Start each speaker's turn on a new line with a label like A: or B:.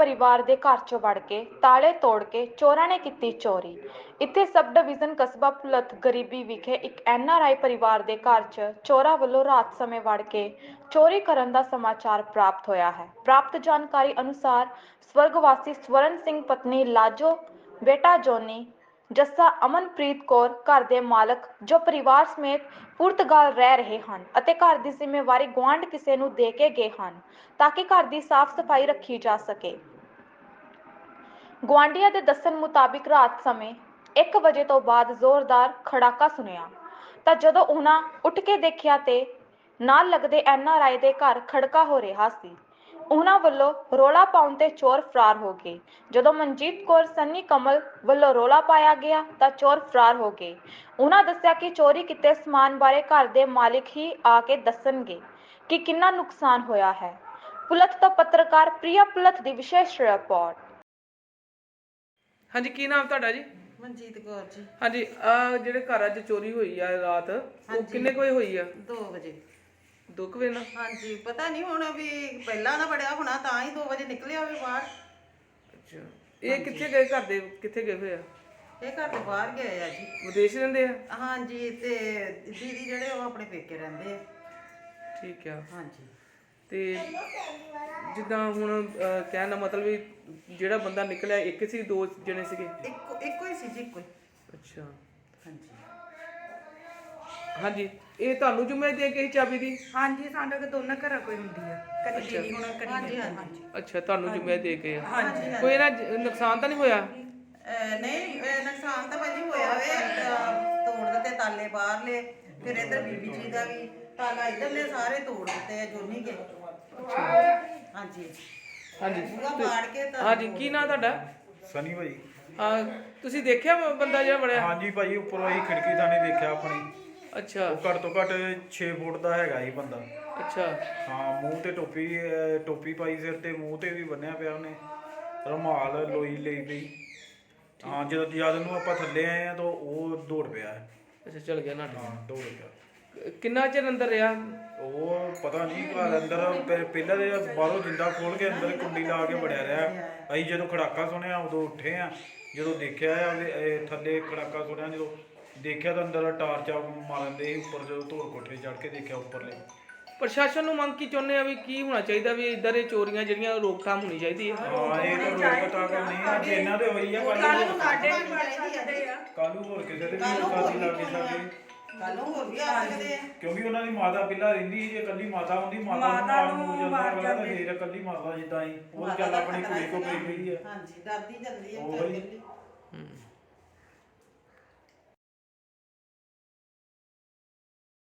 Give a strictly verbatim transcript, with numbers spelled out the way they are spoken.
A: परिवार के घर चों वड़ के ताले तोड़ के चोरां ने की चोरी। इत्थे सब डिवीजन कस्बा भुलथ गरीबी विखे एक एन आर आई परिवार के घर च चोरां वल्लों रात समय वड़ के चोरी करन दा समाचार प्राप्त होया है। प्राप्त जानकारी अनुसार स्वर्गवासी स्वर्ण सिंह पत्नी लाजो बेटा जोनी जस्सा अमनप्रीत कौर घर के मालक जो परिवार समेत पुर्तगाल रह रहे हैं ਅਤੇ घर की जिम्मेवारी गुआंढ किसी ਨੂੰ ਦੇ ਕੇ ਗਏ ਹਨ ताकि घर की साफ सफाई रखी जा सके। ਗੁਆਂਢੀਆਂ ਦੇ ਦੱਸਣ ਮੁਤਾबिक रात समय एक ਵਜੇ ਤੋਂ ਬਾਅਦ ਜ਼ੋਰਦਾਰ ਖੜਾਕਾ ਸੁਣਿਆ ਤਾਂ ਜਦੋਂ ਉਹਨਾਂ ਉੱਠ ਕੇ ਦੇਖਿਆ ਤੇ ਨਾਲ ਲੱਗਦੇ ਐਨ ਆਰ ਆਈ ਦੇ ਘਰ ਖੜਕਾ ਹੋ ਰਿਹਾ ਸੀ। ਉਹਨਾਂ ਵੱਲੋਂ ਰੋਲਾ ਪਾਉਣ ਤੇ ਚੋਰ ਫਰਾਰ ਹੋ ਗਏ। ਜਦੋਂ ਮਨਜੀਤ ਕੌਰ ਸੰਨੀ ਕਮਲ ਵੱਲੋਂ ਰੋਲਾ ਪਾਇਆ ਗਿਆ ਤਾਂ ਚੋਰ ਫਰਾਰ ਹੋ ਗਏ। ਉਹਨਾਂ ਦੱਸਿਆ ਕਿ ਚੋਰੀ ਕੀਤੇ ਸਮਾਨ ਬਾਰੇ ਘਰ ਦੇ ਮਾਲਿਕ ਹੀ ਆ ਕੇ ਦੱਸਣਗੇ ਕਿ ਕਿੰਨਾ ਨੁਕਸਾਨ ਹੋਇਆ ਹੈ। ਪੁਲਤ ਤੋਂ ਪੱਤਰਕਾਰ ਪ੍ਰਿਆ ਪੁਲਤ ਦੀ ਵਿਸ਼ੇਸ਼ ਰਿਪੋਰਟ।
B: ਹਾਂਜੀ, ਕੀ ਨਾਮ ਤੁਹਾਡਾ ਜੀ?
C: ਮਨਜੀਤ ਕੌਰ ਜੀ।
B: ਹਾਂਜੀ, ਆ ਜਿਹੜੇ ਘਰ ਅੱਜ ਚੋਰੀ ਹੋਈ ਆ ਰਾਤ, ਉਹ ਕਿੰਨੇ ਕੁ ਵਜੇ ਹੋਈ ਆ?
C: ਦੋ ਵਜੇ।
B: ਦੋ ਕੁ ਵਜੇ ਨਾ?
C: ਹਾਂਜੀ, ਪਤਾ ਨਹੀਂ ਹੁਣ ਵੀ ਪਹਿਲਾਂ ਨਾ ਬੜਿਆ ਹੋਣਾ ਤਾਂ ਹੀ ਦੋ ਵਜੇ ਨਿਕਲਿਆ ਹੋਵੇ ਬਾਹਰ।
B: ਅੱਛਾ, ਇਹ ਕਿੱਥੇ ਗਏ? ਘਰ ਦੇ ਕਿੱਥੇ ਗਏ ਹੋਏ ਆ?
C: ਇਹ ਘਰ ਦੇ ਬਾਹਰ ਗਏ ਆ ਜੀ।
B: ਵਿਦੇਸ਼ ਰਹਿੰਦੇ ਆ?
C: ਹਾਂਜੀ, ਤੇ ਦੀਦੀ ਜਿਹੜੇ ਉਹ ਆਪਣੇ ਪੇਕੇ ਰਹਿੰਦੇ ਆ।
B: ਠੀਕ ਆ।
C: ਹਾਂਜੀ,
B: ਤੇ ਜਿੱਦਾਂ ਹੁਣ ਕਹਿਣ ਦਾ ਮਤਲਬ ਵੀ ਜਿਹੜਾ ਬੰਦਾ ਨਿਕਲਿਆ ਇੱਕ ਸੀ, ਦੋ ਜਣੇ ਸੀਗੇ?
C: ਇੱਕੋ ਇੱਕੋ ਹੀ ਸੀ ਜੀ, ਇੱਕੋ ਹੀ।
B: ਅੱਛਾ,
C: ਹਾਂਜੀ
B: ਹਾਂਜੀ। ਇਹ ਤੁਹਾਨੂੰ ਜ਼ਿੰਮੇਵਾਰੀ ਦੇ ਗਈ ਚਾਬੀ ਦੀ?
D: ਹਾਂਜੀ, ਸਾਡੇ ਕੋਲ ਦੋਨਾਂ ਘਰਾਂ ਕੋਈ ਹੁੰਦੀ ਆ, ਕਦੀ ਦੀਦੀ ਹੁਣ ਕਦੀ
C: ਹਾਂਜੀ
D: ਮੈਂ।
C: ਹਾਂਜੀ
B: ਅੱਛਾ, ਤੁਹਾਨੂੰ ਜ਼ਿੰਮੇਵਾਰੀ ਦੇ ਗਏ ਆ।
C: ਹਾਂਜੀ।
B: ਕੋਈ ਇਹਦਾ ਨੁਕਸਾਨ ਤਾਂ ਨਹੀਂ ਹੋਇਆ?
C: ਅਹ ਨਹੀਂ, ਅਹ ਨੁਕਸਾਨ ਤਾਂ ਭਾਜੀ ਹੋਇਆ ਵੇ। ਅਹ ਤੋੜ ਦਿੱਤੇ ਤਾਲੇ ਬਾਹਰਲੇ, ਫਿਰ ਇੱਧਰ ਬੀਬੀ ਜੀ ਦਾ ਵੀ ਤਾਲਾ ਇੱਧਰਲੇ ਸਾਰੇ ਤੋੜ ਦਿੱਤੇ ਆ ਜੋਨੀ ਕੇ। ਹਾਂਜੀ
B: ਹਾਂਜੀ।
C: ਪੂਰਾ ਪਾੜ ਕੇ ਤਾਂ।
B: ਹਾਂਜੀ, ਕੀ ਨਾਂ ਤੁਹਾਡਾ?
E: ਸਨੀ ਭਾਈ।
B: ਹਾਂ, ਤੁਸੀਂ ਦੇਖਿਆ ਬੰਦਾ ਜਿਹੜਾ ਵੜਿਆ?
E: ਹਾਂਜੀ ਭਾਈ, ਉੱਪਰੋਂ ਅਸੀਂ ਖਿੜਕੀ ਥਾਣੀ ਦੇਖਿਆ ਆਪਣੀ।
B: ਅੱਛਾ।
E: ਉਹ ਘੱਟ ਤੋਂ ਘੱਟ ਛੇ ਫੁੱਟ ਦਾ ਹੈਗਾ ਇਹ ਬੰਦਾ।
B: ਅੱਛਾ।
E: ਹਾਂ, ਮੂੰਹ ਤੇ ਟੋਪੀ ਅਹ ਟੋਪੀ ਪਾਈ ਸਿਰ ਤੇ, ਮੂੰਹ ਤੇ ਵੀ ਬੰਨਿਆ ਪਿਆ ਉਹਨੇ, ਰੁਮਾਲ ਲੋਈ ਲਈ ਪਈ। ਹਾਂ, ਜਦੋਂ ਜਦ ਨੂੰ ਆਪਾਂ ਥੱਲੇ ਆਏ ਆ ਤਾਂ ਉਹ ਦੌੜ ਪਿਆ।
B: ਅੱਛਾ, ਚਲ ਗਿਆ ਨਾ?
E: ਹਾਂ, ਦੌੜ ਗਿਆ।
B: ਕਿੰਨਾ ਚਿਰ ਅੰਦਰ ਰਿਹਾ?
E: ਉਹ ਪਤਾ ਨਹੀਂ, ਘਰ ਅੰਦਰ ਪਹਿ- ਪਹਿਲਾਂ ਦੇ ਬਾਹਰੋਂ ਜਿੰਦਾ ਖੋਲ ਕੇ ਅੰਦਰ ਕੁੰਡੀ ਲਾ ਕੇ ਵੜਿਆ ਰਿਹਾ। ਅਸੀਂ ਜਦੋਂ ਖੜਾਕਾ ਸੁਣਿਆ ਉਦੋਂ ਉੱਠੇ ਆ। ਜਦੋਂ ਦੇਖਿਆ ਆ ਉਹਦੇ ਇਹ ਥੱਲੇ ਖੜਾਕਾ ਸੁਣਿਆ, ਜਦੋਂ ਦੇਖਿਆ ਤਾਂ ਅੰਦਰ ਟਾਰਚਾ ਮਾਰਨ ਦੇ ਉੱਪਰ, ਜਦੋਂ ਧੋਲ ਕੋਠੇ ਚੜ੍ਹ ਕੇ ਦੇਖਿਆ ਉੱਪਰਲੇ।
B: ਪ੍ਰਸ਼ਾਸਨ ਨੂੰ ਮੰਗ ਕੀ ਚਾਹੁੰਦੇ ਆ ਵੀ ਕੀ ਹੋਣਾ ਚਾਹੀਦਾ ਵੀ ਇਦਾਂ ਦੇ ਚੋਰੀਆਂ ਜਿਹੜੀਆਂ ਰੋਕਥਾਮ ਹੋਣੀ ਚਾਹੀਦੀ ਹੈ?
E: ਹਾਂ, ਇਹ ਤਾਂ ਰੋਕ ਪਤਾ ਕਰ ਨਹੀਂ ਆ ਜੇ ਇਹਨਾਂ ਦੇ ਹੋਈ ਆ। ਕੱਲ ਨੂੰ
D: ਸਾਡੇ ਵੀ ਬਣ ਸਕਦੇ ਆ।
E: ਕੱਲ ਨੂੰ ਹੋਰ ਕਿਸੇ ਦੇ ਵੀ ਹੋ ਸਕਦੀ ਲੱਗੇ ਸਾਡੇ।
C: ਕੱਲ ਨੂੰ ਹੋਰ ਵੀ ਆ ਸਕਦੇ ਆ,
E: ਕਿਉਂਕਿ ਉਹਨਾਂ ਦੀ ਮਾਤਾ ਪਹਿਲਾਂ ਰਹਿੰਦੀ, ਜੇ ਇਕੱਲੀ ਮਾਤਾ ਹੁੰਦੀ, ਮਾਤਾ ਨੂੰ ਨਾਲ ਨੂੰ ਜਾਂਦਾ ਅਗਲਾ ਤਾਂ ਫੇਰ ਇਕੱਲੀ ਮਾਤਾ ਜਿੱਦਾਂ ਹੀ ਉਹ ਚੱਲ ਆਪਣੀ ਕੁੜੀ ਕੋ ਪਈ ਗਈ ਆ।
C: ਹਾਂਜੀ, ਡਰਦੀ ਜਾਂਦੀ ਆ
E: ਉਹੀ।
C: ਵਿਚਾਰੀ।
B: ਹੂੰ।